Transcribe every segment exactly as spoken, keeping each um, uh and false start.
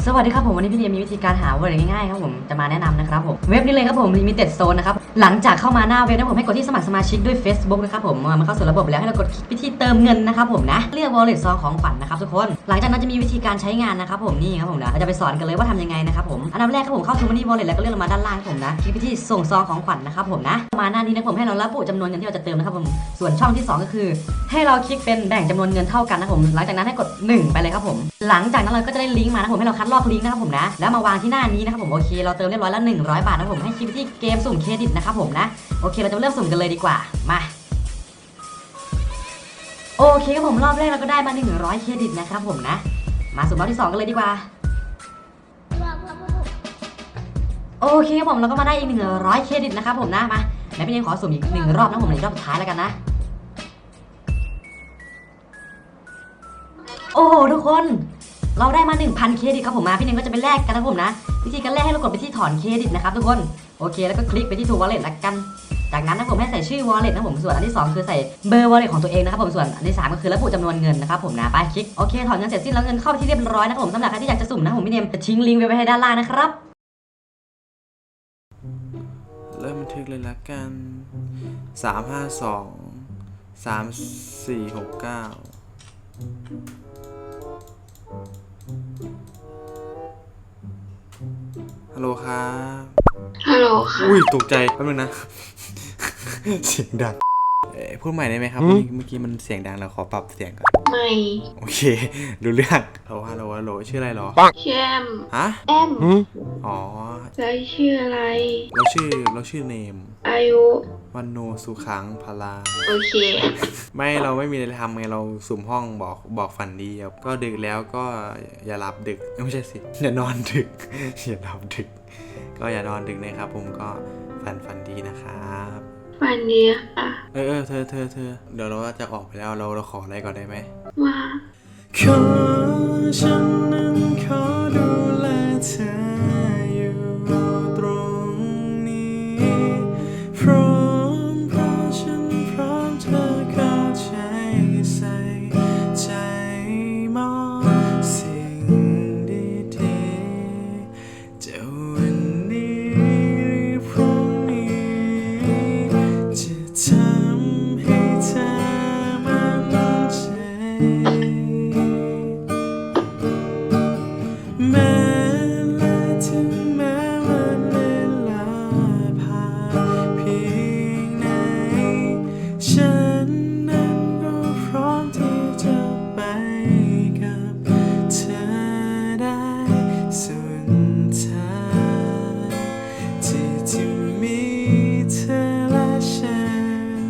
สวัสดีครับผมวันนี้พี่เนียมีวิธีการหาเวิร์ดง่ายๆครับผมจะมาแนะนำนะครับผมเว็บนี้เลยครับผม Limited Zone นะครับหลังจากเข้ามาหน้าเว็บนะผมให้กดที่สมัครสมาชิกด้วย Facebook นะครับผมมันเข้าสู่ระบบแล้วให้เรากดคลิกไปที่เติมเงินนะครับผมนะเลือก Wallet ซองของขวัญนะครับทุกคนหลังจากนั้นจะมีวิธีการใช้งานนะครับผมนี่ครับผมนะเราจะไปสอนกันเลยว่าทำยังไงนะครับผมอันดับแรกครับผมเข้า Money Wallet แล้วก็เลื่อนลงมาด้านล่างครับผมนะคลิกไปที่ส่งซองของขวัญนะครับผมนะมาหน้านี้นะผมให้เราระบุจำนวนเงินที่เราจะเติมนะครับผมส่วนช่องที่สองก็คือให้เราคลิกเป็นแบ่งจำนวนเงินเท่ากันนะผมหลังจากนั้นให้กดหนึ่งไปเลยครับผมหลังจากนั้นเราก็จะได้ลิงก์มานะผมให้เราคัดลอกลิงก์นะครับผมนะแล้วมาวางที่หน้านี้นะครับผมโอเคเราเติมเรียบร้อยแล้วหนึ่งร้อยบาทนะผมให้คลิกไปที่เกมสุ่มเครดิตนะครับผมนะโอเคเราจะเริ่มสุ่มกันเลยดีกว่ามาโอเคครับผมรอบแรกเราก็ได้มาหนึ่งร้อยเครดิตนะครับผมนะมาสุ่มรอบที่สองกันเลยดีกว่าโอเคครับผมเราก็มาได้อีกหนึ่งร้อยเครดิตนะครับผมนะมาไหนพี่เนมขอสุ่มอีกหนึ่งรอบนะผมในรอบสุดท้ายแล้วกันนะโอ้โหทุกคนเราได้มา หนึ่งพัน เครดิตครับผมมาพี่เนมก็จะไปแลกกันนะผมนะวิธีการแลกให้เรากดไปที่ถอนเครดิตนะครับทุกคนโอเคแล้วก็คลิกไปที่ True Wallet ละกันจากนั้นนะผมให้ใส่ชื่อ Wallet นะผมส่วนอันที่สองคือใส่เบอร์ Wallet ของตัวเองนะครับผมส่วนอันที่สามก็คือระบุจำนวนเงินนะครับผมนะไปคลิกโอเคถอนเงินเสร็จสิ้นแล้วเงินเข้าไปที่เรียบร้อยนะครับผมสำหรับใครที่อยากจะสุ่มนะผมพี่เนมจะทิ้งลิงก์ไว้ให้ด้านล่างนะครับเริ่มบันทึกเลยละกันสามห้าสองสามสี่หกเก้าฮัลโหลครับฮัลโหลค่ะอุ้ยตกใจแป๊บนึงนะ เสียงดังเอ้พูดใหม่ได้ไหมครับเมื่อกี้มันเสียงดังเราขอปรับเสียงก่อนไม่โอเคดูเรื่องฮัลโหลฮัลโหลฮัลโหลชื่ออะไรหรอชื่อแอมฮะแอมอ๋อแล้วชื่ออะไรเราชื่อเราชื่อเนมอายุวันโนสุขังพลาโอเคไม่เราไม่มีอะไรทำไงเราสุ่มห้องบอกบอกฝันดีครับก็ดึกแล้วก็อย่าหลับดึกไม่ใช่สิอย่านอนดึกอย่าหลับดึกก็อย่านอนดึกนะครับผมก็ฝันฝันดีนะครับฝันดีค่ะเออเออเธอเธอเธอเดี๋ยวเราจะออกไปแล้วเราเราขออะไรก่อนได้ไหมว่าขอฉันนั้นขอดูแลเธออยู่ตรงนี้พร้อมเพราะฉันพร้อมเธอเข้าใจใส่ใจมองสิ่งดีๆจะวันนี้หรือพรุ่งนี้จะทำให้เธอมั่นใจแม้และถึงแม้วันเวลาผ่านเพียงไหนฉันนั้นก็พร้อมที่จะไปกับเธอได้สุดท้ายที่จะมีเธอและฉัน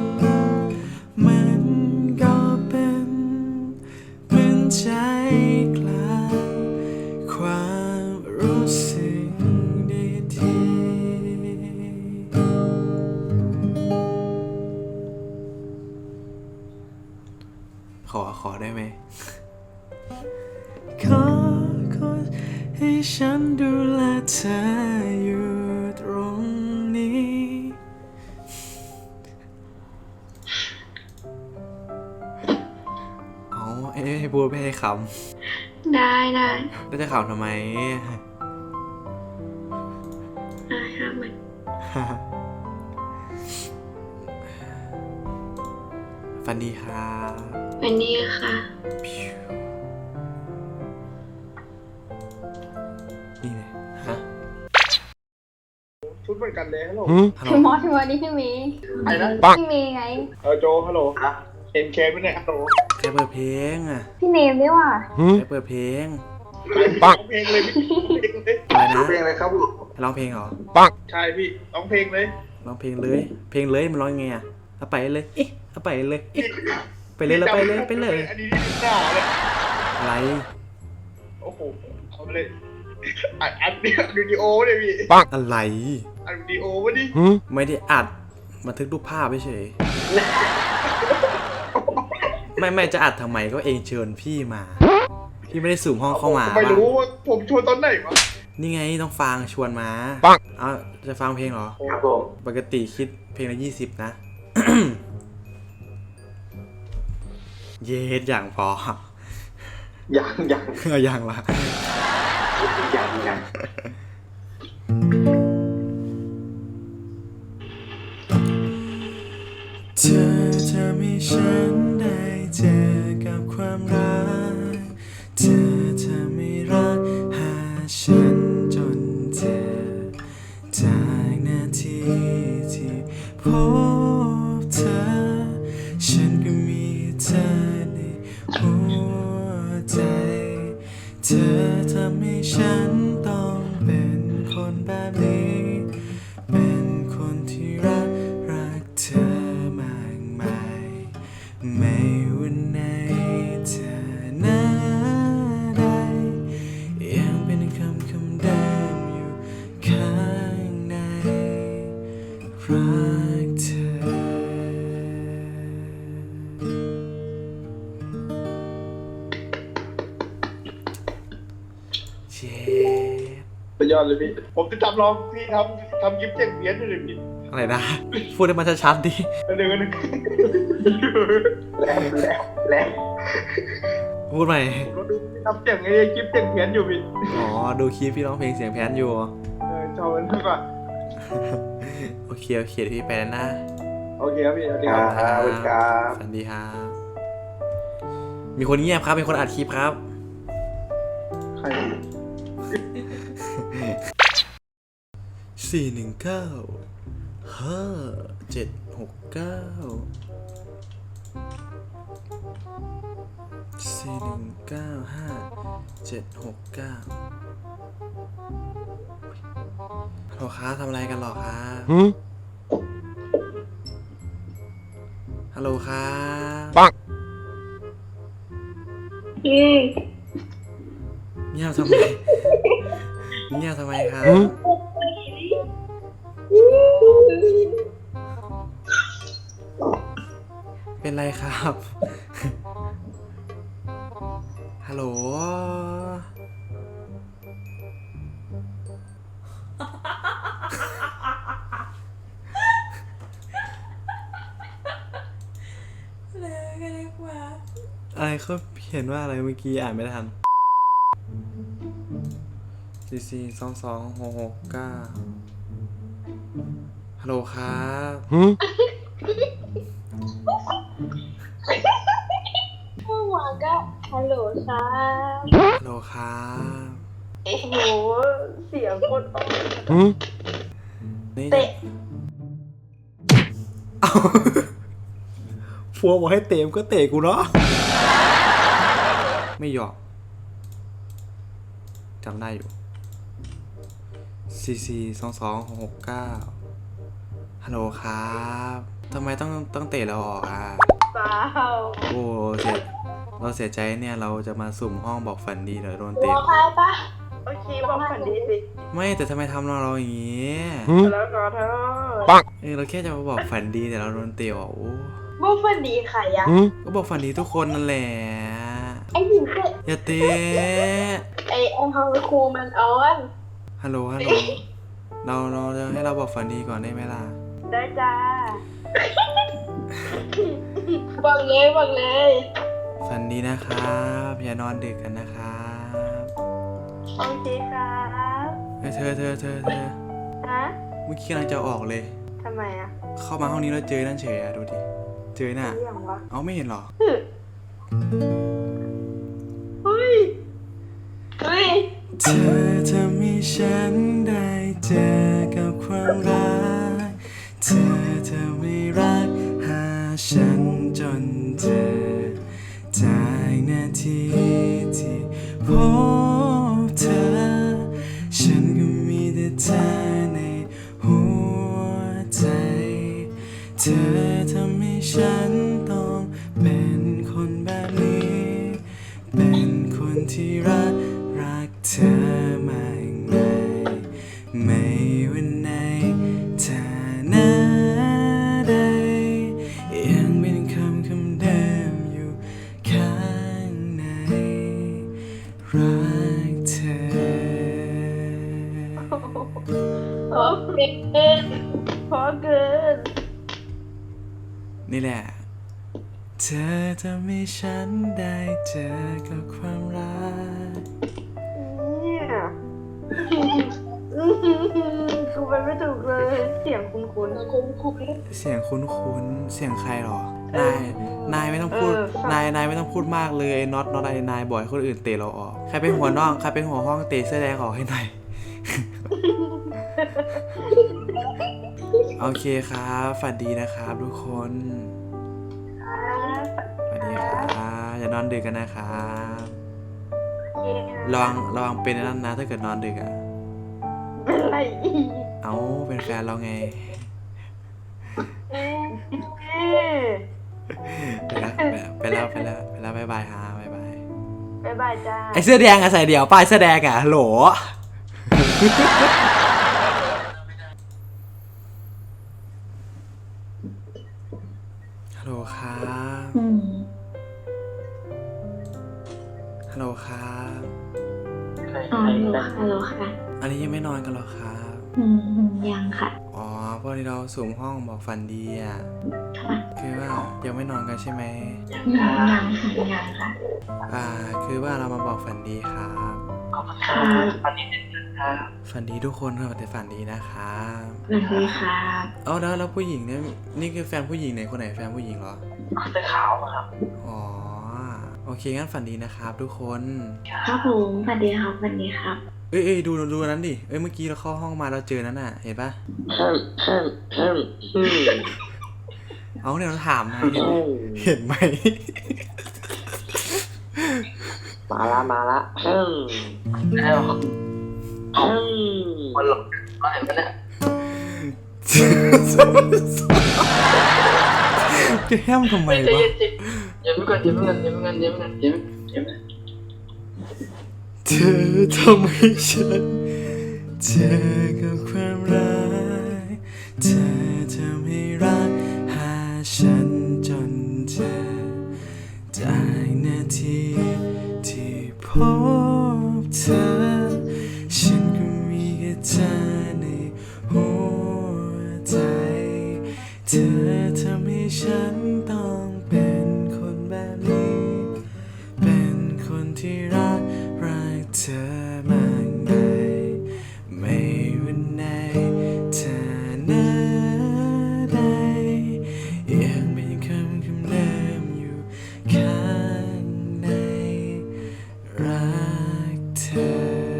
มันก็เป็นเหมือนใจกลางความรู้สึกดีๆขอขอได้ไหม ขอขอให้ฉันดูแลเธออยู่ตรงนี้เอาให้พูดไม่ให้ขำได้ได้แล้วจะขำทำไมอ่าห้ามันฟันดีครับวันนี้ค่ะนี่เลยฮะชุดเหมือนกันเลยฮัลโหลพี่มอสพี่มอสนี่พี่มีอะไรนะพี่มีไงเออโจฮัลโหลเอ็นเคไม่เนี่ยฮัลโหลใครเปิดเพลงอ่ะพี่เนมด้วยว่ะใครเปิดเพลงปังเพลงเลยพี่เพลงเลยอะไรนะเพลงอะไรครับลูกร้องเพลงเหรอปังใช่พี่ร้องเพลงเลยร้องเพลงเลยเพลงเลยมันร้องไงอ่ะเอาไปเลยเอ๊ะเอาไปเลยเอ๊ะไปเลยเราไปเลยไปเลยอันนี้นี่หน้าเลยอะไรโอ้โหเอาเลยอัดอัดเนี่ยวิดีโอเลยพี่ปังอะไรอัดวิดีโอวะดิไม่ได้อัดบันทึกรูปภาพเฉยไม่ไม่จะอัดทำไมก็เองเชิญพี่มาพี่ไม่ได้สุ่มห้องเข้ามาไม่รู้ว่าผมชวนตอนไหนวะนี่ไงต้องฟังชวนมาปังเอาจะฟังเพลงเหรอครับผมปกติคิดเพลงละยี่สิบนะ เย็ดอย่างพออย่างอย่างอย่างละกันเธอจะมีฉันได้เจอกับความรักเธอจะไม่รักหาฉันจนเจอจากนาทีที่พบเธอฉันก็มีเธอในหัวใจเธอทำให้ฉันต้องเป็นคนแบบนี้เป็นคนที่รักรักเธอมากมายไม่วันไหนเธอหน้าใดยังเป็นคำคำเดิมอยู่ข้างในรักเธอเจ็บสุดยอดเลยพี่ผมจะทำลองพี่ทำทำคลิปเสียงเพี้ยนเลยพี่อะไรนะ พูดให้มันชัดๆดิอันหนึ่งอันหนึ่งแรงแรงแรงพูดใหม่ผมก็ดูพี่ทำเสียงไอ้คลิปเสียงเพี้ยนอยู่พี่อ๋อ ดูคลิปพี่ร้องเพลงเสียงแพนอยู่เออชอบมันมากกว่าโอเค โอเคเดี๋ยวพี่ไปแล้วนะโอเคครับพี่สวัสดีครับสวัสดีครับสวัสดีครับ มีคนเงียบครับ มีคนอัดคลิปครับใครสี่หนึ่งเก้าห้าเจ็ดหกเก้าสี่หนึ่งเก้าห้าเจ็ดหกเก้าฮัลโหลครับทำอะไรกันหรอครับฮัลโหลครับปังอืมเงียบทำไมเงียบทำไมครับเป็นไรครับ ฮัลโหล อะไรเขาเห็นว่าอะไรเมื่อกี้อ่านไม่ทันสี่สี่สองสองหกหกเก้าฮัลโหลครับเมื่อวานก็ฮัลโหลครับฮัลโหลครับโอ้โหเสียงคนออกนี่เตะเอาฟัวบอกให้เตะมก็เตะกูเนาะไม่หยอกจำได้อยู่สี่สี่สองสองหกหกเก้าฮัลโหลครับทำไมต้องต้องเตะเราออกอ่ะเปล่าโอ้เสียเราเสียใจเนี่ยเราจะมาสุ่มห้องบอกฝันดีเดี๋ยวโดนบเตะอกใครปะโอเคบอกฝันดีสิไม่แต่ทำไมทำเราเราอย่างงี้แล้วก็เธอเออเราแค่จะมาบอกฝันดีแต่เราโดนเตะออกโอ้บอกฝันดีใครอะก็บอกฝันดีทุกคนนั่นแหละไอ้หญิงเตะอย่าเตะไอ้ไอ้ฮังคูมันออนฮัลโหลฮัลโหลเราเราจะให้เราบอกฝันดีก่อนได้ไหมล่ะได้จ้า บอกเลยบอกเลยฝันดีนะครับอย่านอนดึกกันนะครับโอเคครับเฮ้ยเธอเธอเธอเธอฮะเมื่อกี้กำลังจะออกเลยทำไมอะเข้ามาห้องนี้แล้วเจอนั่นเฉยอะดูดิเจอน่ะเรื่องวะเอาไม่เห็นเหรอเฮ้ยเฮ้ยเธอทำให้ฉันได้เจอกับความรักเธอเธอไม่รักหาฉันจนเจอจากนาทีที่พบเธอฉันก็มีแต่เธอในหัวใจเธอทำให้ฉันต้องเป็นคนแบบนี้เป็นคนที่รักรักเธอมากมายไม่วันไหนเธอหน้าใดยังเป็นคำคำเดิมอยู่ข้างในรักเธอโอเคเกินพอเกินนี่แหละ เธอทำให้ฉันได้เจอกับความรักเนี่ยกูไปไม่ถูกเลย เสียงคุ้นคุ้นคุ้นคุ้นเสียงคุ้นๆเสียงใครหรอนายนายไม่ต้องพูดเออฟังนายนายไม่ต้องพูดมากเลยไอ้น็อตน็อตไอ้นายบ่อยคนอื่นเตะเราออกใครเป็นหัวน้องใครเป็นหัวห้องเตะเสื้อแดงออกให้หน่อย โอเคครับฝันดีนะครับทุกคนฝันดีครับอย่านอนดึกกันนะครับระวังระวังเป็นนั่นนะถ้าเกิดนอนดึกอ่ะเป็นไรอีกเอ้าเป็นแฟนเราไงเอ๊ะไปแล้วไปแล้วไปแล้วไปแล้วบ๊ายบายฮะบ๊ายบายบ๊ายบายจ้าไอเสื้อแดงอะใส่เดี่ยวป้ายเสื้อแดงอะโหล ฮัลโหลครับอืมฮัลโหลครับอ๋อฮัลโหลค่ะอันนี้ยังไม่นอนกันหรอครับอืมยังค่ะอ๋อพอดีเราสุ่มห้องบอกฝันดีอ่ะค่ะคือว่ายังไม่นอนกันใช่ไหมอืมยังค่ะยังค่ะอ่า คือว่าเรามาบอกฝันดีครับค่ะฝันดีทุกคนครับแต่ฝันดีนะครับสวัสดีค่ะเอ้าแล้วแล้วผู้หญิงเนี่ยนี่คือแฟนผู้หญิงไหนคนไหนแฟนผู้หญิงเหรอเสื้อขาวอะครับอ๋อโอเคงั้นฝันดีนะครับทุกคนครับผมสวัสดีครับสวัสดีครับเอ้ยเอ้ยดูดูอันนั้นดิเอ้ยเมื่อกี้เราเข้าห้องมาเราเจอนั้นน่ะเห็นปะเพิ่มเพิ่มเพิ่มอืมเอาเนี่ยเราถามนะเห็นเห็นไหมมาละมาละเพิ่มแล้วเพิ่มมันหลบมาเห็นปะเนี่ยจะแฮมทำไมใจวะเย็นจิอย่าเพิ่งกันอย่าเพิ่งกันอย่าเพิ่งกันอย่าเพิ่งกันอย่าเพิ่งอย่าเพิ่งเธอทำให้ฉันเจอกับความรักเธอทำให้รักหาฉันจนเจอจากนาทีที่พบเธอฉันก็มีแค่เธอในหัวใจเธอทำให้ฉันต้องเป็นคนแบบนี้ เป็นคนที่รักรักเธอมากมายไม่วันไหนเธอหน้าใดยังเป็นคำคำเดิมอยู่ข้างในรักเธอ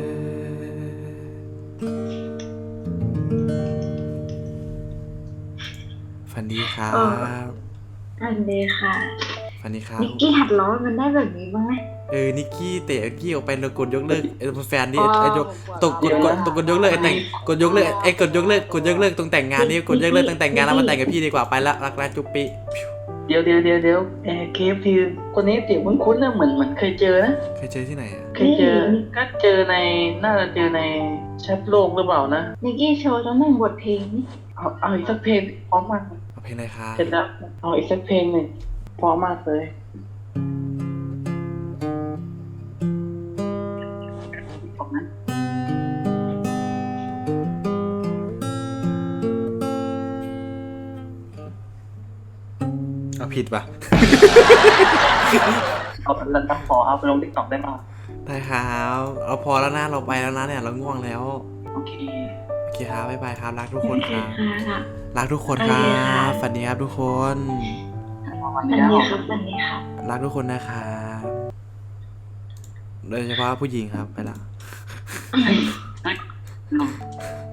ฝันดีครับสวัสดีค่ะฝันดีครับนิกกี้หัดร้องมันได้แบบนี้บ้างไหมเออ นิกกี้เตะกี้ออกไปแล้วกดยกเลิกไอ้แฟนนี่ไอ้ยกตกกดกดตกกดยกเลิกไอ้แต่งกดยกเลิกไอ้กดยกเลิกกดยกเลิกตรงแต่งงานนี่กดยกเลิกตั้งแต่งงานแล้วมาแต่งกับพี่ดีกว่าไปละรักแรกจุ๊บปีเดี๋ยวเดี๋ยวเดี๋ยวเดี๋ยวเออเคฟทีคนนี้เสียงคุ้นๆนะเหมือนเหมือนเคยเจอนะเคยเจอที่ไหนอ่ะเคยเจอก็เจอในน่าจะเจอในแชทโลกหรือเปล่านะนิกกี้โชว์ทั้งหนึ่งบทเพลงนี่เอาเอาอีกสักเพลงพร้อมมากเอาเพลงอะไรครับเสร็จแล้วเอาอีกสักเพลงหนึ่งพร้อมมากเลยบอกนั้นเอาผิดป่ะเอาเป็นรันตักฟอเอาไปลงติ๊กต็อกได้มาได้ครับเอาพอแล้วนะเราไปแล้วนะเนี่ยเราง่วงแล้วโอเคโอเคครับบ๊ายบายครับรักทุกคนครับค่ะรักทุกคนครับฝันดีครับทุกคนวันสวัสนี้ดีเอาครับสวัสดีครับรักทุกคนนะครับโดยเฉพาะผู้หญิงครับไปละ